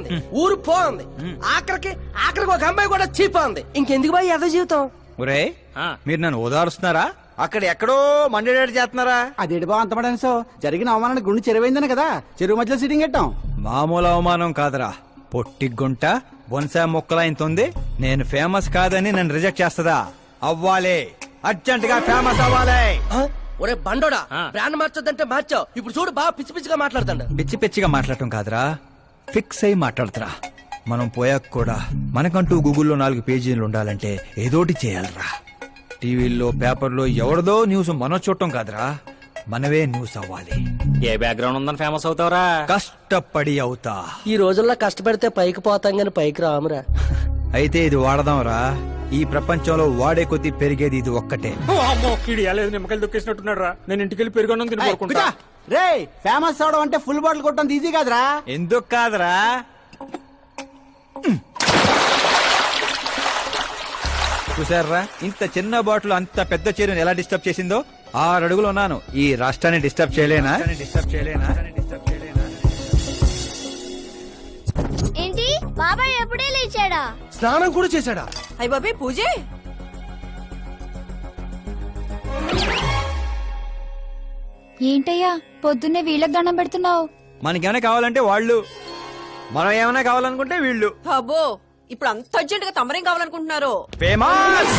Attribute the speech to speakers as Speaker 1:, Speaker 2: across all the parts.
Speaker 1: ఉంది, ఊరు పోంది, ఆఖరికి ఒక అమ్మాయి కూడా చీపోంది. ఇంకెందుకు బాయ్ ఎద జీవితం?
Speaker 2: ఒరే మీరు నన్ను ఓదారుస్తున్నారా? అక్కడ ఎక్కడో మండేడాడు చేస్తున్నారా?
Speaker 3: అదేంటి బా అంతమని సో జరిగిన అవమానానికి గుండె చెరువైందని కదా చెరువు మధ్యలో సిట్టింగ్ పెట్టాం.
Speaker 2: మామూలు అవమానం కాదురా, పొట్టి గుంట బొన్సా మొక్కలైంతుంది. నేను ఫేమస్ కాదని నన్ను రిజెక్ట్ చేస్తదా? అవ్వాలి, అర్జెంట్ గా ఫేమస్ అవ్వాలి.
Speaker 1: ఒరే బండోడా, బ్రాండ్ మార్చొద్దంటే మార్చావు. ఇప్పుడు చూడు బాగా పిచ్చి పిచ్చిగా మాట్లాడుతాడు.
Speaker 2: పిచ్చి పిచ్చిగా మాట్లాడటం కాదురా, ఫిక్స్ అయి మాట్లాడుతురా. మనం పోయాక కూడా మనకంటూ గూగుల్లో 4 పేజీలు ఉండాలంటే ఏదోటి చేయాలరా. టీవీల్లో పేపర్లో ఎవరిదో న్యూస్ మనం చూడటం కాదురా, మనవే న్యూస్ అవ్వాలి.
Speaker 4: ఏ బ్యాక్గ్రౌండ్ ఉందని ఫేమస్ అవుతావురా?
Speaker 2: కష్టపడి అవుతా.
Speaker 1: ఈ రోజుల్లో కష్టపడితే పైకి పోతాం గాని పైకి రామురా.
Speaker 2: అయితే ఇది వాడదాంరా. ఈ ప్రపంచంలో వాడే కొద్దీ పెరిగేది ఇది ఒక్కటే.
Speaker 4: నిమ్మకాయలు దొక్కేసినట్టున్నాడు రా. నేను ఇంటికి వెళ్ళి పెరుగొన్నం తిని పడుకుంటా.
Speaker 3: రే ఫేమస్ అవడం అంటే ఫుల్ బాటిల్ కొట్టడం ఈజీ కాదురా.
Speaker 2: ఎందుకు కాదురా? చూసారా, ఇంత చిన్న బాటిల్ అంత పెద్ద చీరను ఎలా డిస్టర్బ్ చేసిందో. 6 అడుగులు ఉన్నాను, ఈ రాష్ట్రాన్ని డిస్టర్బ్ చేయలేనా?
Speaker 5: ఏంటి బాబాయ్ ఎప్పుడే లేచాడా?
Speaker 1: స్నానం కూడా చేశాడా?
Speaker 6: అయ్య బాబే పూజే.
Speaker 5: ఏంటయ్యా పొద్దున్నే వీళ్ళకి దండం పెడుతున్నావు?
Speaker 2: మనకేమైనా కావాలంటే వాళ్ళు, మనం ఏమైనా కావాలనుకుంటే వీళ్ళు.
Speaker 6: అబ్బో ఇప్పుడు అంత అర్జెంట్ గా తమరేం కావాలనుకుంటున్నారు?
Speaker 2: ఫేమస్.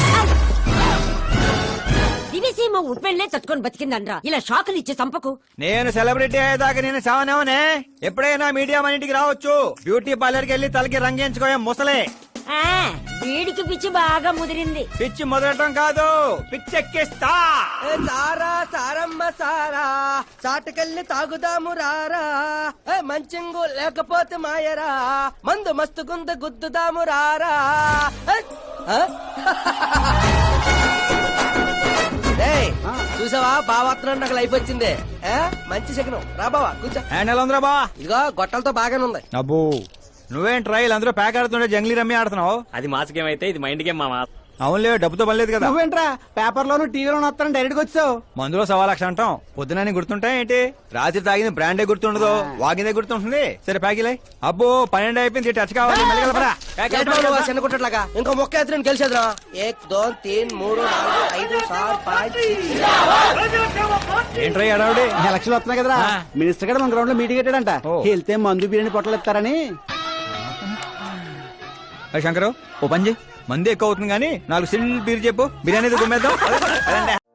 Speaker 7: దివిసీమ ఉప్పెళ్లే తట్టుకొని బతికిందనరా. ఇలా షాకులు ఇచ్చే చంపకు.
Speaker 2: నేను సెలబ్రిటీ అయ్యేదాకా నేను సావనేవనే. ఎప్పుడైనా మీడియా మన ఇంటికి రావచ్చు. బ్యూటీ పార్లర్కి వెళ్ళి తలకి రంగేయించుకోయా ముసలే.
Speaker 7: వీడికి పిచ్చి బాగా ముదిరింది.
Speaker 2: పిచ్చి మొదలటం కాదు, పిచ్చెక్కిస్తా.
Speaker 1: సారా సారమ్మ సారా, చాటుకెళ్ళి తాగుదాము రారా. మంచింగు లేకపోతే మాయరా, మందు మస్తు గుంద గుద్దుదాము రారా. చూసావా బావాత్రం నాకు లైఫ్ వచ్చింది. మంచి శకనం. రా బావా కూర్చో.
Speaker 2: హ్యాండ్ ఎలా ఉందిరా బా?
Speaker 1: ఇదిగో గొట్టలతో బాగానే ఉంది.
Speaker 2: అబ్బో నువ్వేం ట్రైల్ అందరూ ప్యాక్ ఆడుతుండే జంగ్లీ రమ్మి ఆడుతున్నావు.
Speaker 4: అది మాస్ గేమ్ అయితే ఇది మైండ్ గేమ్ మామా.
Speaker 2: అవునులే, డబ్బుతో పనిలేదు కదా.
Speaker 3: నువ్వేంట్రా పేపర్ లోను టీవీలోను వస్తాను డైరెక్ట్ గా వచ్చావు.
Speaker 2: మందులో 1,00,000 అంటాం. పొద్దునని గుర్తుంటాయి ఏంటి? రాత్రి తాగింది బ్రాండే గుర్తుండదు, వాగిందే గుర్తుంటుంది. సరే ప్యాకిలే. అబ్బో 12 అయిపోయింది, టచ్ కావాలి.
Speaker 1: చిన్న కుట్టట్లాగా ఇంకో మొక్క ఎత్తున గెలిచేద్రా. 1 2 3 4 5 6 5
Speaker 2: ఏంట్రై అడావుడి?
Speaker 3: ఎలక్షన్లు వస్తున్నాయి కదరా, మినిస్టర్ గారు మన గ్రౌండ్ లో మీటింగ్ పెట్టాడంట. వెళ్తే మందు బిర్యానీ పొట్టలు ఇస్తారని.
Speaker 2: శంకరు ఓ పని చేయి, మంది ఎక్కువ అవుతుంది కానీ 4 సిల్ బీర్ చెప్పు, బిర్యానీ గుమ్మేద్దాం.